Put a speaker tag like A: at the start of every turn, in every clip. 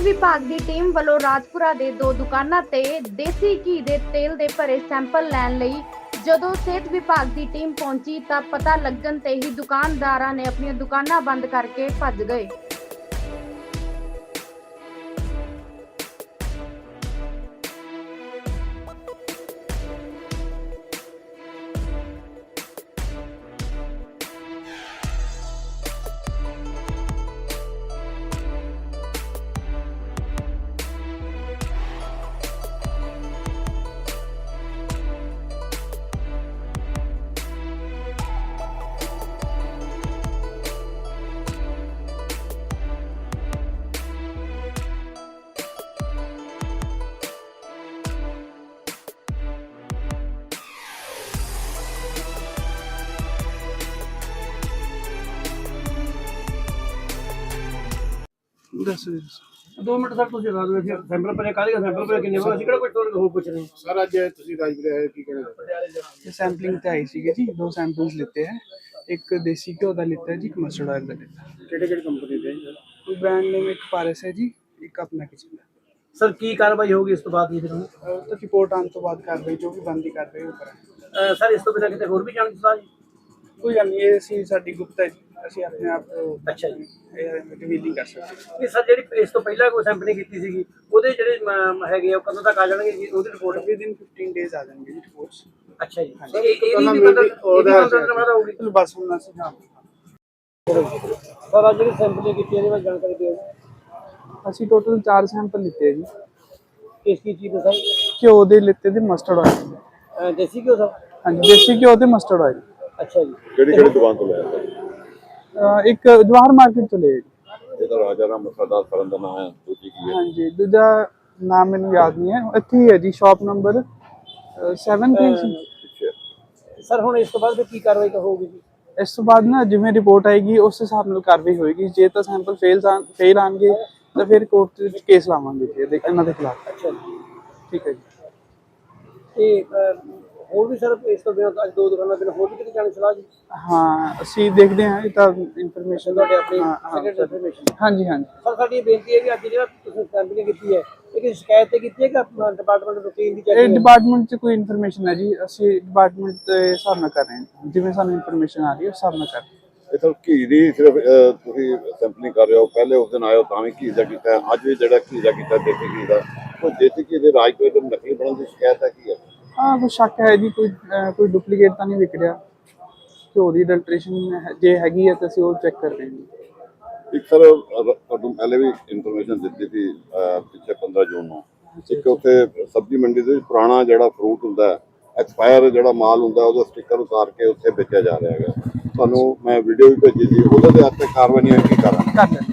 A: विभाग की टीम वालों राजपुरा के 2 दुकानों ते देसी घी के तेल के भरे सैंपल लैन लई जदों सेहत विभाग की टीम पहुंची तां पता लगन ते ही दुकानदारां ने अपनी दुकानां बंद करके भज गए।
B: दस
C: 2 मिनट सर ਤੁਸੀਂ ਲਾ ਦਿਓ ਫਿਰ ਸੈਂਪਲ ਭਰੇ ਕਾਹਦੇ ਸੈਂਪਲ ਭਰੇ ਕਿੰਨੇ ਵਾਰ ਅਸੀਂ ਕਿਹੜਾ ਕੋਈ ਟੋਲ ਹੋ ਪੁੱਛ ਰਹੇ
B: सर अज तुसीं राजपुर आए की कहना सैंपलिंग ते आई सी जी 2 सैंपल्स लेते हैं। एक देसी घ्यो का लेता है जी, एक मस्टर्ड ऑयल का लेता है।
C: ਕਿਹੜੇ ਕੰਪਨੀ ਦੇ
B: कोई ब्रांड नेम एक पारस है जी, एक अपना किचन है।
C: ਸਰ ਕੀ ਕਾਰਵਾਈ ਹੋਗੀ ਇਸ ਤੋਂ ਬਾਅਦ ਜੀ ਫਿਰ
B: तो रिपोर्ट आने तो बाद कार्रवाई जो भी बनती कार्रवाई वो करें।
C: ਸਰ ਇਸ ਤੋਂ ਬਿਨਾਂ ਕਿਤੇ ਹੋਰ ਵੀ ਜਾਣ ਦੀ ਸਲਾਹ ਜੀ
B: कोई गल नहीं, ये सी साडी गुप्त है जी, ਅਸੀਂ ਆਪਣੇ ਆਪ
C: ਅੱਛਾ ਜੀ
B: ਰਿਵੀਲ ਨਹੀਂ ਕਰ ਸਕਦੇ।
C: ਇਹ ਸਰ ਜਿਹੜੀ ਇਸ ਤੋਂ ਪਹਿਲਾਂ ਕੋਈ ਸੈਂਪਲਿੰਗ ਕੀਤੀ ਸੀਗੀ ਉਹਦੇ ਜਿਹੜੇ ਹੈਗੇ ਆ ਉਹ ਕਦੋਂ ਤੱਕ ਆ ਜਾਣਗੇ ਜੀ ਉਹਦੀ ਰਿਪੋਰਟ
B: ਵਿਦਿਨ 15 ਡੇਜ਼ ਆ ਜਾਣਗੇ ਜੀ ਰਿਪੋਰਟਸ।
C: ਅੱਛਾ ਜੀ ਇਹ ਵੀ ਮਤਲਬ ਹੋਊਗੀ
B: ਚਲੋ ਬਸ ਹੁਣ ਅਸੀਂ
C: ਸਰ ਅੱਜ ਜਿਹੜੀ ਸੈਂਪਲਿੰਗ ਕੀਤੀ ਇਹਦੇ ਬਾਰੇ ਜਾਣਕਾਰੀ ਦਿਓ
B: ਅਸੀਂ ਟੋਟਲ 4 ਸੈਂਪਲ ਲਿੱਤੇ ਜੀ।
C: ਕਿਸ ਕੀ ਚੀਜ਼ ਦਾ
B: ਘਿਓ ਦੇ ਲਿੱਤੇ ਤੇ ਮਸਟਰਡ ਆਇਲ।
C: ਦੇਸੀ ਘਿਓ ਸਰ
B: ਹਾਂਜੀ ਦੇਸੀ ਘਿਓ ਤੇ ਮਸਟਰਡ ਆਇਲ।
C: ਅੱਛਾ ਜੀ
D: ਕਿਹੜੀ ਦੁਕਾਨ ਤੋਂ ਲਿਆ
B: ਇੱਕ ਜਵਾਹਰ ਮਾਰਕੀਟ ਤੋਂ ਲਿਆ ਜੀ।
D: ਇਹਦਾ ਰਾਜਾ ਰਾਮ ਮਸਾਦਾ ਫਰਨ ਦਾ ਨਾਮ ਹੈ, ਦੂਜੀ ਕੀ ਹੈ?
B: ਹਾਂਜੀ ਦੂਜਾ ਨਾਮ ਮੈਨੂੰ ਯਾਦ ਨਹੀਂ ਹੈ, ਇੱਥੇ ਹੀ ਹੈ ਜੀ, ਸ਼ਾਪ ਨੰਬਰ 7 ਤੇ
C: ਸਰ ਹੁਣ ਇਸ ਤੋਂ ਬਾਅਦ ਕੀ ਕਾਰਵਾਈ ਹੋਊਗੀ ਜੀ?
B: ਇਸ ਤੋਂ ਬਾਅਦ ਨਾ ਜਿਵੇਂ ਰਿਪੋਰਟ ਆਏਗੀ ਉਸ ਹਿਸਾਬ ਨਾਲ ਕਾਰਵਾਈ ਹੋਏਗੀ। ਜੇ ਤਾਂ ਸੈਂਪਲ ਫੇਲ ਆਣਗੇ ਤਾਂ ਫਿਰ ਕੋਰਟ ਵਿੱਚ ਕੇਸ ਲਾਵਾਂਗੇ ਜੀ ਇਹਨਾਂ ਦੇ ਖਿਲਾਫ।
C: ਅੱਛਾ ਜੀ
B: ਠੀਕ ਹੈ ਜੀ।
C: ਤੇ ਹੋਰ ਵੀ ਸਰ ਇਸ ਤੋਂ ਬਿਨਾਂ ਅੱਜ 2 ਦੁਕਾਨਾਂ ਬਿਨਾਂ ਹੋਰ ਵੀ ਕਿਤੇ ਜਾਣ ਦੀ ਸਲਾਹ ਜੀ?
B: ਹਾਂ ਅਸੀਂ ਦੇਖਦੇ ਹਾਂ, ਇਹ ਤਾਂ ਇਨਫੋਰਮੇਸ਼ਨ
C: ਤੁਹਾਡੇ ਆਪਣੀ ਸੈਕਟਰੀ ਇਨਫੋਰਮੇਸ਼ਨ।
B: ਹਾਂਜੀ ਹਾਂਜੀ
C: ਸਰ ਸਾਡੀ ਬੇਨਤੀ ਹੈ ਕਿ ਅੱਜ ਜਿਹੜਾ ਤੁਸੀਂ ਸੈਂਪਲਿੰਗ ਕੀਤੀ ਹੈ ਇਹ ਕਿਸੇ ਸ਼ਿਕਾਇਤ ਤੇ ਕੀਤੀ ਹੈ ਕਿ ਆਪਣਾ ਡਿਪਾਰਟਮੈਂਟ ਰੂਟੀਨ ਦੀ
B: ਇਹ
C: ਚੈਕਿੰਗ?
B: ਡਿਪਾਰਟਮੈਂਟ 'ਚ ਕੋਈ ਇਨਫੋਰਮੇਸ਼ਨ ਹੈ ਜੀ, ਅਸੀਂ ਡਿਪਾਰਟਮੈਂਟ ਦੇ ਹਿਸਾਬ ਨਾਲ ਕਰ ਰਹੇ ਹਾਂ, ਜਿਵੇਂ ਸਾਨੂੰ ਇਨਫੋਰਮੇਸ਼ਨ ਆ ਰਹੀ ਹੈ ਉਸ ਹਿਸਾਬ ਨਾਲ ਕਰ ਰਹੇ ਹਾਂ।
D: ਇਹ ਤਾਂ ਘੀ ਦੀ ਸਿਰਫ ਤੁਸੀਂ ਸੈਂਪਲਿੰਗ ਕਰ ਰਹੇ ਹੋ, ਪਹਿਲੇ ਉਸ ਦਿਨ ਆਇਓ ਤਾਂ ਵੀ ਘੀ ਦਾ ਕੀਤਾ, ਅੱਜ ਵੀ ਜਿਹੜਾ ਘੀ ਦਾ ਕੀਤਾ ਦੇਸੀ ਘੀ ਦਾ, ਉਹ ਦੇਸੀ ਘੀ ਦੇ ਰਾਜਪੁਰੇ ਤੋਂ ਨਕਲੀ ਬਣਨ ਦੀ ਸ਼ਿਕਾਇਤ ਹੈ ਕੀ ਹੈ?
B: ਹਾਂ ਕੋਈ ਸ਼ੱਕ ਹੈ ਜੀ, ਕੋਈ ਡੁਪਲੀਕੇਟ ਤਾਂ ਨਹੀਂ ਵਿਕ ਰਿਹਾ। ਘਿਓ ਦੀ ਅਡਲਟ੍ਰੇਸ਼ਨ ਜੇ ਹੈਗੀ ਹੈ ਤਾਂ ਅਸੀਂ ਉਹ ਚੈੱਕ ਕਰ ਰਹੇ ਹਾਂ ਜੀ।
D: ਇੱਕ ਸਰ ਤੁਹਾਨੂੰ ਪਹਿਲੇ ਵੀ ਇਨਫੋਰਮੇਸ਼ਨ ਦਿੱਤੀ ਸੀ ਪਿੱਛੇ 15 ਜੂਨ ਨੂੰ, ਇੱਕ ਉੱਥੇ ਸਬਜ਼ੀ ਮੰਡੀ ਦੇ ਵਿੱਚ ਪੁਰਾਣਾ ਜਿਹੜਾ ਫਰੂਟ ਹੁੰਦਾ ਐਕਸਪਾਇਰ ਜਿਹੜਾ ਮਾਲ ਹੁੰਦਾ ਉਹਦਾ ਸਟicker ਉਤਾਰ ਕੇ ਉੱਥੇ ਵੇਚਿਆ ਜਾ ਰਿਹਾ ਹੈਗਾ। ਤੁਹਾਨੂੰ ਮੈਂ ਵੀਡੀਓ ਵੀ ਭੇਜੀ ਸੀ, ਉਹਦੇ ਤੇ ਹੱਥ ਕਾਰਵਾਈ ਨਹੀਂ ਹੋਈ, ਕੀ ਕਰਾਂ?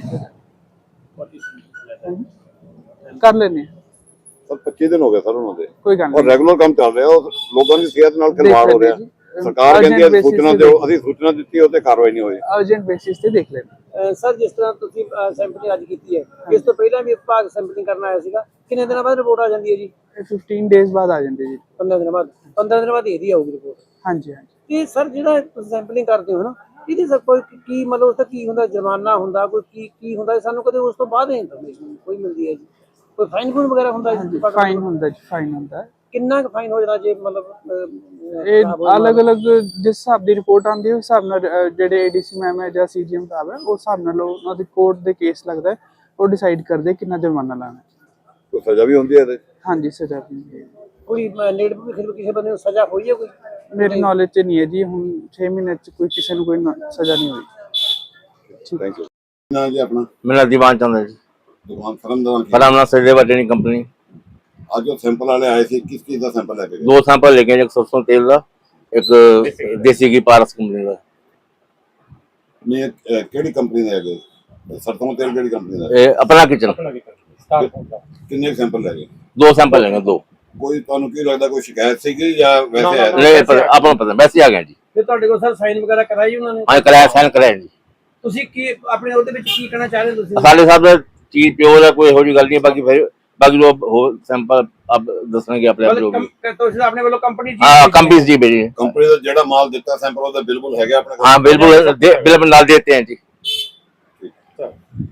B: ਕਰ ਲੈਣੇ
D: ਸਰ 25 ਦਿਨ ਹੋ ਗਏ ਸਰ ਉਹਨਾਂ ਦੇ,
B: ਕੋਈ ਗੱਲ
D: ਔਰ
B: ਨਹੀਂ।
D: ਰੈਗੂਲਰ ਕੰਮ ਚੱਲ ਰਿਹਾ, ਉਹ ਲੋਕਾਂ ਦੀ ਸਿਹਤ ਨਾਲ ਖਿਲਵਾੜ ਹੋ ਰਿਹਾ। ਸਰਕਾਰ ਕਹਿੰਦੀ ਹੈ ਸੂਚਨਾ ਦਿਓ, ਅਸੀਂ ਸੂਚਨਾ ਦਿੱਤੀ ਉਹ ਤੇ ਕਾਰਵਾਈ ਨਹੀਂ ਹੋਈ।
B: ਅਰਜੈਂਟ ਬੇਸਿਸ ਤੇ ਦੇਖ ਲੈਣਾ।
C: ਸਰ ਜਿਸ ਤਰ੍ਹਾਂ ਤੁਸੀਂ ਸੈਂਪਲਿੰਗ ਅੱਜ ਕੀਤੀ ਹੈ ਇਸ ਤੋਂ ਪਹਿਲਾਂ ਵੀ ਵਿਭਾਗ ਸੈਂਪਲਿੰਗ ਕਰਨ ਆਇਆ ਸੀਗਾ, ਕਿੰਨੇ ਦਿਨਾਂ ਬਾਅਦ ਰਿਪੋਰਟ ਆ ਜਾਂਦੀ ਹੈ ਜੀ?
B: 15 ਡੇਜ਼ ਬਾਅਦ ਆ ਜਾਂਦੇ ਜੀ।
C: 15 ਦਿਨਾਂ ਬਾਅਦ 15 ਦਿਨਾਂ ਬਾਅਦ ਇਹਦੀ ਆਊਗੀ ਰਿਪੋਰਟ।
B: ਹਾਂਜੀ ਹਾਂਜੀ।
C: ਤੇ ਸਰ ਜਿਹੜਾ ਤੁਸੀਂ ਸੈਂਪਲਿੰਗ ਕਰਦੇ ਹੋ ਨਾ ਇਹਦੇ ਸਰ ਕੋਈ ਕੀ ਮਤਲਬ ਉਸ ਦਾ ਕੀ ਹੁੰਦਾ, ਜੁਰਮਾਨਾ ਹੁੰਦਾ ਕੋਈ ਕੀ ਹੁੰਦਾ? ਸਾਨੂੰ ਕਦੇ ਉਸ ਤੋਂ ਬਾਅਦ ਇਨਫੋਰਮੇਸ਼ਨ ਕੋਈ ਮਿਲਦੀ ਹੈ ਜੀ? ਕੋਈ ਫਾਈਨ ਫੂਨ ਵਗੈਰਾ ਹੁੰਦਾ ਜੀ?
B: ਫਾਈਨ ਹੁੰਦਾ ਜੀ, ਫਾਈਨ ਹੁੰਦਾ।
C: ਕਿੰਨਾ ਕੁ ਫਾਈਨ ਹੋ ਜਾਂਦਾ ਜੇ ਮਤਲਬ
B: ਇਹ ਅਲੱਗ-ਅਲੱਗ ਜਿਸ ਹਿਸਾਬ ਦੀ ਰਿਪੋਰਟ ਆਉਂਦੀ ਹੈ ਉਸ ਹਿਸਾਬ ਨਾਲ ਜਿਹੜੇ ਏਡੀਸੀ ਮੈਮ ਹੈ ਜਾਂ ਸੀਜੀਐਮ ਸਾਹਿਬ ਹੈ ਉਸ ਹਿਸਾਬ ਨਾਲ ਉਹਨਾਂ ਦੀ ਕੋਰਟ ਦੇ ਕੇਸ ਲੱਗਦਾ ਹੈ, ਉਹ ਡਿਸਾਈਡ ਕਰਦੇ ਕਿੰਨਾ ਜੁਰਮਾਨਾ ਲਾਣਾ।
D: ਕੋਈ ਸਜ਼ਾ ਵੀ ਹੁੰਦੀ ਹੈ ਇਹਦੇ?
B: ਹਾਂਜੀ ਸਜ਼ਾ ਵੀ ਹੁੰਦੀ ਹੈ।
C: ਕੋਈ ਨੇੜੇ ਵੀ ਕਿਸੇ ਬੰਦੇ ਨੂੰ ਸਜ਼ਾ ਹੋਈ ਹੈ ਕੋਈ?
B: ਮੇਰੀ ਨੌਲੇਜ 'ਚ ਨਹੀਂ ਹੈ ਜੀ, ਹੁਣ 6 ਮਹੀਨੇ 'ਚ ਕੋਈ ਕਿਸੇ ਨੂੰ ਕੋਈ ਸਜ਼ਾ ਨਹੀਂ ਹੋਈ।
D: Thank you. ਨਾ ਜੀ ਆਪਣਾ
E: मेरा दीवान चंद है जी,
D: ਦੁਕਾਨ ਫਰਨ ਦਾ
E: फलाना सचदेवा ट्रेनिंग कंपनी।
D: ਅੱਜ ਉਹ ਸੈਂਪਲ ਵਾਲੇ ਆਏ ਸੀ, ਕਿਸ ਚੀਜ਼ ਦਾ ਸੈਂਪਲ ਲੈ ਕੇ ਗਏ?
E: 2 सैंपल लेके एक सरसों तेल का, एक देसी घी पारस कंपनी का।
D: ਨਹੀਂ ਕਿਹੜੀ ਕੰਪਨੀ ਦੇ ਹੈਗੇ? ਸਰਸੋਂ ਤੇਲ ਕਿਹੜੀ ਕੰਪਨੀ ਦਾ?
E: ये अपना किचन।
D: ਕਿੰਨੇ ਸੈਂਪਲ ਲੈ ਗਏ?
E: 2 सैंपल लेंगे 2।
D: ਕੋਈ ਤੁਹਾਨੂੰ ਕੀ ਲੱਗਦਾ ਕੋਈ ਸ਼ਿਕਾਇਤ ਸੀਗੀ ਜਾਂ ਵੈਸੇ ਆਇਆ?
E: नहीं अपना पता वैसे आ गए जी।
C: ਫਿਰ ਤੁਹਾਡੇ ਕੋਲ ਸਰ ਸਾਈਨ ਵਗੈਰਾ ਕਰਾਈ ਉਹਨਾਂ ਨੇ?
E: हाँ कराया साइन कराया जी।
C: ਤੁਸੀਂ ਕੀ ਆਪਣੇ ਉਹਦੇ ਵਿੱਚ ਕੀ ਕਹਿਣਾ ਚਾਹ ਰਹੇ ਤੁਸੀਂ?
E: साढ़े साहब चीज प्योर है, कोई हो गल नहीं है। बाकी जो हो सैंपल अब दसने के अपने जो भी
C: ਤੁਸੀਂ ਆਪਣੇ ਵੱਲੋਂ ਕੰਪਨੀ
E: हाँ कंपनी जी भेजी।
D: ਕੰਪਨੀ ਦਾ ਜਿਹੜਾ ਮਾਲ ਦਿੱਤਾ ਸੈਂਪਲ ਉਹਦਾ ਬਿਲਕੁਲ ਹੈਗਾ ਆਪਣੇ ਕੋਲ?
E: हाँ बिल्कुल बिल्कुल नाल देते हैं जी।